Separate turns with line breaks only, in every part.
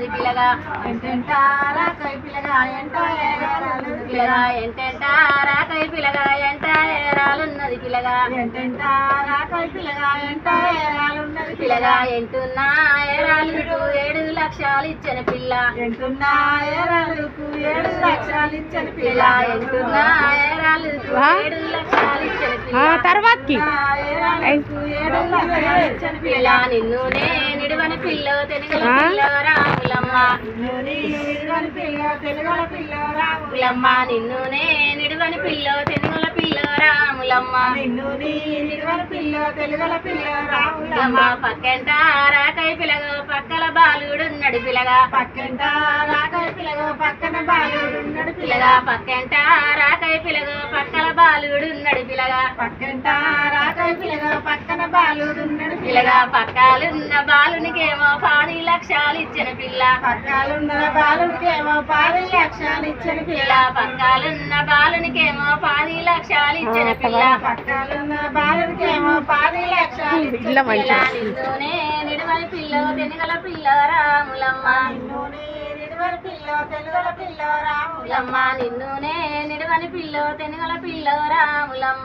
ఏరాలున్నది పిల్లగా
ఎంటెంటారాకై పిల్లగా ఎంట ఏరాలున్నది
పిల్లగా ఎంటెంటారాకై పిల్లగా ఎంట ఏరాలున్నది పిల్లగా
ఎంటెంటారాకై పిల్లగా ఎంట ఏరాలున్నది
పిల్లగా ఎంటున్నా ఏరాలకు 7 లక్షలు ఇచ్చిన పిల్ల
ఎంటున్నా ఏరాలకు 7 లక్షలు ఇచ్చిన
పిల్ల ఎంటున్నా ఏరాలకు 7 లక్షలు ఇచ్చిన పిల్ల
తర్వాతకి
ఏరాలకు 7 లక్షలు ఇచ్చిన
పిల్ల నిన్నునే నిడువని పిల్ల తెలుగుల పిల్ల రాములమ్మ
నిడువని పిల్ల తెలుగుల పిల్ల
రాములమ్మ నిన్నునే నిడువని పిల్ల తెలుగుల పిల్ల రాములమ్మ
నిడువని పిల్ల తెలుగుల పిల్ల
రాములమ్మ పక్కంట రాకై పిల్లగా పక్కల బాలుడున్నడు పిల్లగా
పక్కంట రాకై పిల్లగా పక్కన బాలుడున్నడు
పిల్లగా పక్కంట రాకై పిల్లగా పక్కల బాలుడున్నడు పిల్లగా
పక్కంట రాకై పిల్లగా పక్కన బాలుడున్నడు
పిల్లగా పక్కాలున్న బాలునికేమో 10 లక్షలు ఇచ్చిన పిల్ల
పక్కాలున్న బాలునికేమో 10 లక్షలు ఇచ్చిన పిల్ల
పక్కాలున్న బాలునికేమో 10 లక్షలు ఇచ్చిన పిల్ల
పక్కాలున్న బాలునికేమో 10 లక్షలు ఇచ్చిన
పిల్ల నిన్నునే నిడువని పిల్ల తెనుగల పిల్ల రాములమ్మ
నిడువని పిల్ల తెలుగుల పిల్ల
రాములమ్మ నిన్నునే నిడువని పిల్ల తెనుగల పిల్ల రాములమ్మ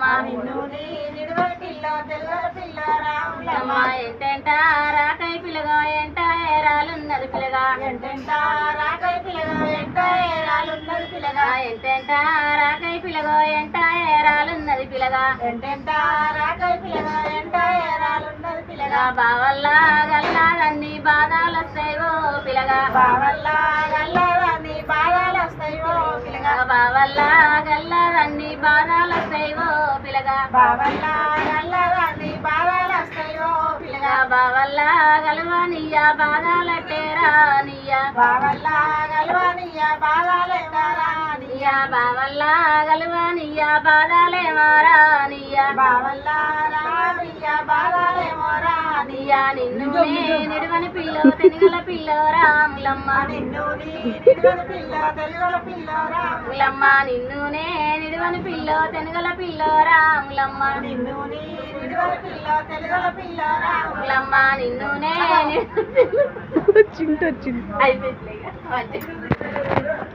నిడువని పిల్ల తెలుగుల పిల్ల
రాములమ్మ ఎంటెంట రాకై పిల్లగా ఎంట ఏరాలున్నది పిల్లగా
ఎంటెంట రాకై పిల్లగా ఎంట ఏరాలున్నది పిల్లగా
ఎంటెంట రాకై పిల్లగా ఎంట ఏరాలున్నది పిల్లగా
ఎంటెంట రాకై పిల్లగా ఎంట ఏరాలున్నది పిల్లగా
బావల్లా గల్లాదన్ని బాధలు వస్తాయో పిల్లగా
బావల్లా గల్లాదన్ని బాధలు వస్తాయో పిల్లగా
బావల్లా గల్లాదన్ని బాధలు వస్తాయో పిల్లగా
బావల్లా గల్లాదన్ని బాధలు వస్తాయో పిల్లగా
బావల్లా గలవానియ్య బాధలట్టేరా నియ్య
బావల్లా గల్వానియ్య బాధలెట్టారా
నియ్య బావల్లా గలవానియ్య బాధలేమారా నియ్య
బావల్లా రానియ్య బాధలేమోరా
నియ్య నిన్ను నిడువని పిల్ల తెనుగల పిల్ల రాములమ్మ
నిడువని పిల్ల తెలుగుల పిల్ల
రాములమ్మ నిన్నునే నిడువని పిల్ల తెనుగల పిల్ల రాములమ్మ
నిడువని పిల్ల తెలుగుల పిల్ల
రాములమ్మ నిన్నునే
వచ్చింది
అయిపోయింది